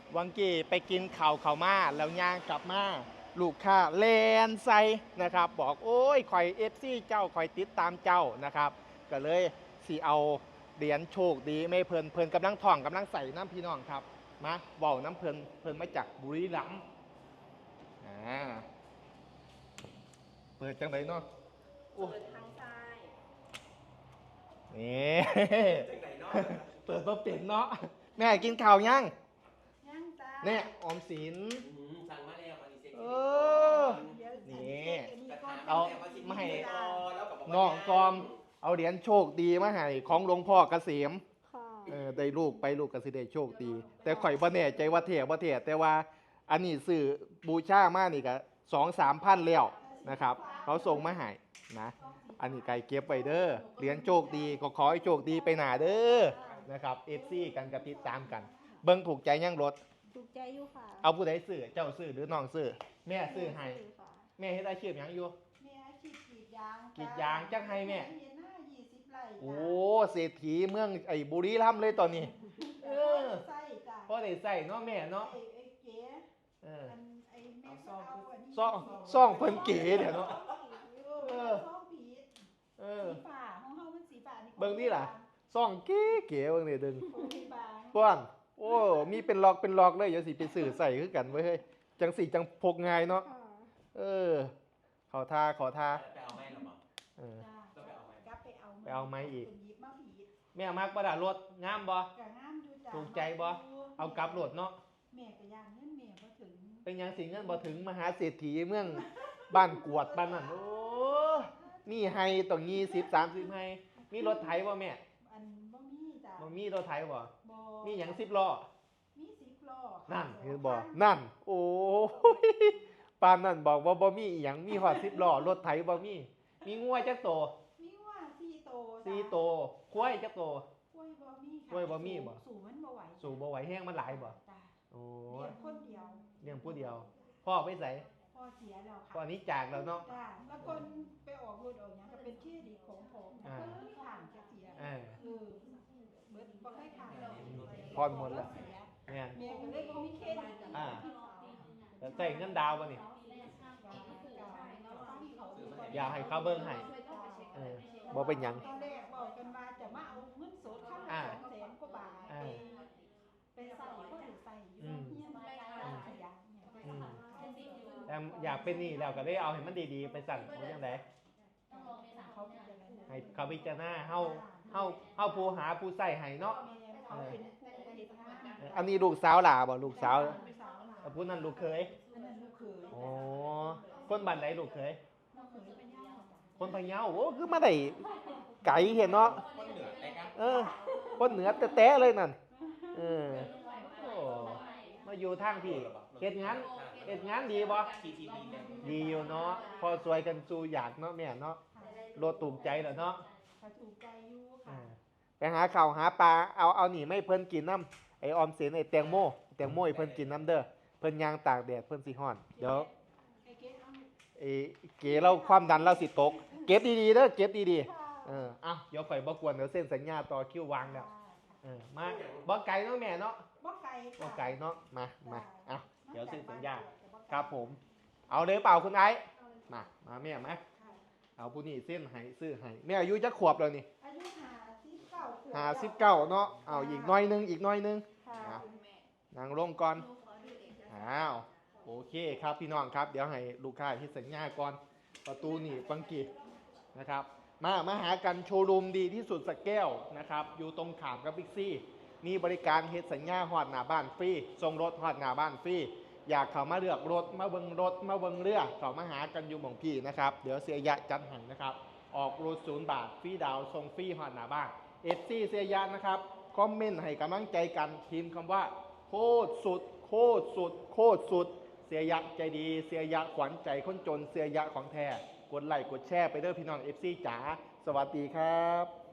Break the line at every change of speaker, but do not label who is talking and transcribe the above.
วังกี้ไปกินข่าวเขามาแล้วย่างกลับมาลูกค้าแลนใส่นะครับบอกโอ้ยคอยเอฟซีเจ้าคอยติดตามเจ้านะครับก็เลยสิเอาเหรียญโชคดีไม่เพลินกำลังท่องกำลังใส่น้ำพี่น้องครับมาเว้าน้ำเพลินมาจากบุรีรัมย์เปิดจังไดเนาะ
เปิดทางซ้าย
นี่เปิดตัวเป็ดเนาะแม่กินข่าวยัง
ย่างจ้า
เนี่ยออมสิน
สั่งมาแล้วอันนี้เซ็ก
นี่
เอา
ไม่ให้น้องกอมเอาเหรียญโชคดีมาให้ของหลวงพ่อเกษมได้ลูกไปลูกก็สิได้โชคดีแต่ข่อยบ่แน่ใจว่าเท่บ่เท่แต่ว่าอันนี้ซื้อบูชามานี่ก็2-3 พันแล้วนะครับเขาส่งมาให้นะอันนี้ไก่เก็บไว้เด้อเหรียญโชคดีก็ขอให้โชคดีไปหน้าเด้อนะครับ FC กันกับติดตามกันเบิ่งถูกใจยังรถ
ถูกใจอยู่ค่ะ
เอาผู้ใดซื้อเจ้าซื้อหรือน้องซื้อแม่ซื้อให้แม่เฮ็ดอาชีพหยังอยู่
แม่อาชีพกรีดยาง
กรีดยางจังให้แม่
20 ไร่
โอ้เศรษฐีเมืองไอ้บุรีรัมย์เลยตอนนี้
ใส่จ้ะ
พอได้ใส่เนาะแม่เนาะ
ไอ้เก๋ไอ้แม่
ซ่องเพิ่นเก๋เดี๋ยวเนาะ
ซ่องผีสีฟ้าของเฮามันสีฟ้านี่
เบิ่งนี่ล่ะซ่องเก๋เก๋เบิ่งนี่ดึง
ป้
อนโอ้มีเป็นล็อกเลยเดี๋ยวสิไปซื้อใส่คือกันเว้ยเฮ้ยจังสิจังพกง่ายเนาะขอท่า
ไปเอาไม้หรอ
ไปเอาไม้อีกแม่มักประดารถงามบ่ถูกใจบ่เอากลับรถเนาะ
แม่ก็ย่านเงินแม่บ่ถึง
เป็นยังสิเงินบ่ถึงมหาเศรษฐีเมืองบ้านกวดบ้านนั่นโอ้มีให้ต้อง20-30ให้มีรถไถบ่แม่
อันบ่มีจ้ะ
บ่มีรถไถบ่มีหยัง10 ล้อ
มี10 ล้อ
นั่นคือบ่นั่นโอ้ยปานนั่นบอกว่าบ่มีอีหยังมีฮอด10 ล้อรถไถบ่มีงัวจักโต
มีงัว
4 โตควายจักโต
ควายบ่มี
บ่
สูงมันบ่ไหว
สูงบ่ไหวแห้งมันหลายบ่โอ้
เลี้ยงคนเดียว
เลี้ยงผู้เดียวพ่อไปไส
พ่อเสียแล้วค่ะ
พ่อนี้จากแล้วเนาะ
แล้วคนไปออกรถออกหยังก็เป็นชื่อดีของผมเพิ่นมีทางจะเสียเบิดบ่เคยทาง
พรหมดแล้ว
แม่ก็เลยบ่มีเครดิต
แต่ใส่เงินดาวบ่นี่อยากให้เขาเบิ่งให้บ่เป็นหยัง
ตอนแรกบอกกันว่าจะมาเอาเงินสดเข้ามา200,000 กว่าบาทไปใส่ก็ได้ใส่อยู่เฮียนไป
แต่อยากเป็นนี่แล้วก็ได้เอาให้มันดีๆไปสั่นหรือยังไงให้เขาพิจารณาเฮาผู้หาผู้ใส่ให้เนาะอันนี้ลูกสาวหล่าบ่ลูกสาวผู้นั้นลูกเคยอ๋อคนบ้านไหนลูกเคยคนพะเยาโอ้คือมาได้ไก่เห็นเนาะคนเหนือแต้ๆเลยนั่นมาอยู่ทางพี่เฮ็ดงานดีบ่ดีอยู่เนาะพอสวยกันสู่อยากเนาะแม่เนาะรถถูกใจแล้วเนาะ
ถูกใจอยู่ค่ะ
ไปหาข้าวหาปลาเอาหนีไม่เพิ่นกินน้ำไอออมสินไอแตงโมให้เพิ่นกินน้ำเด้อเพิ่นย่างตากแดดเพิ่นสิฮ้อนเดี๋ยวไอเก๋เราความดันเราสิตกเก็บดีๆเด้อเก็บดีๆเดี๋ยวข่อยบ่กวนเดี๋ยวเส้นสัญญาต่อคิววางแล้วมาบ่ไกลเนาะแม่เนาะ
บ่ไกล
เนาะมาเดี๋ยวเซ็นสัญญาครับผมเอาเลยเปล่าคุณไอ้มาแม่มาเอาผู้นี้เส้นให้ซื้อให้แม่อายุจักขวบแล้วนี่
อายุ
59เนาะเอาอีกน้อยนึงนางลงก่อนโอเคครับพี่น้องครับเดี๋ยวให้ลูกค้าที่สัญญาก่อนประตูนี่ฟังกี้นะครับมาหากันโชว์รูมดีที่สุดสแก้วนะครับอยู่ตรงขามกับบิ๊กซี่มีบริการเฮ็ดสัญญาฮอดหน้าบ้านฟรีส่งรถฮอดหน้าบ้านฟรีอยากเข้ามาเลือกรถมาเบิ่งรถมาเบิ่งเรือเข้ามาหากันอยู่หม่องพี่นะครับเดี๋ยวเสียยะจัดให้นะครับออกรถ0 บาทฟรีดาวส่งฟรีฮอดหน้าบ้านFC เสียยะนะครับคอมเมนต์ให้กำลังใจกันพิมพ์คำว่าโคตรสุดเสียยะใจดีเสียยะขวัญใจคนจนเสียยะของแท้กดไลค์กดแชร์ไปเด้อพี่น้อง FC จ๋าสวัสดีครับ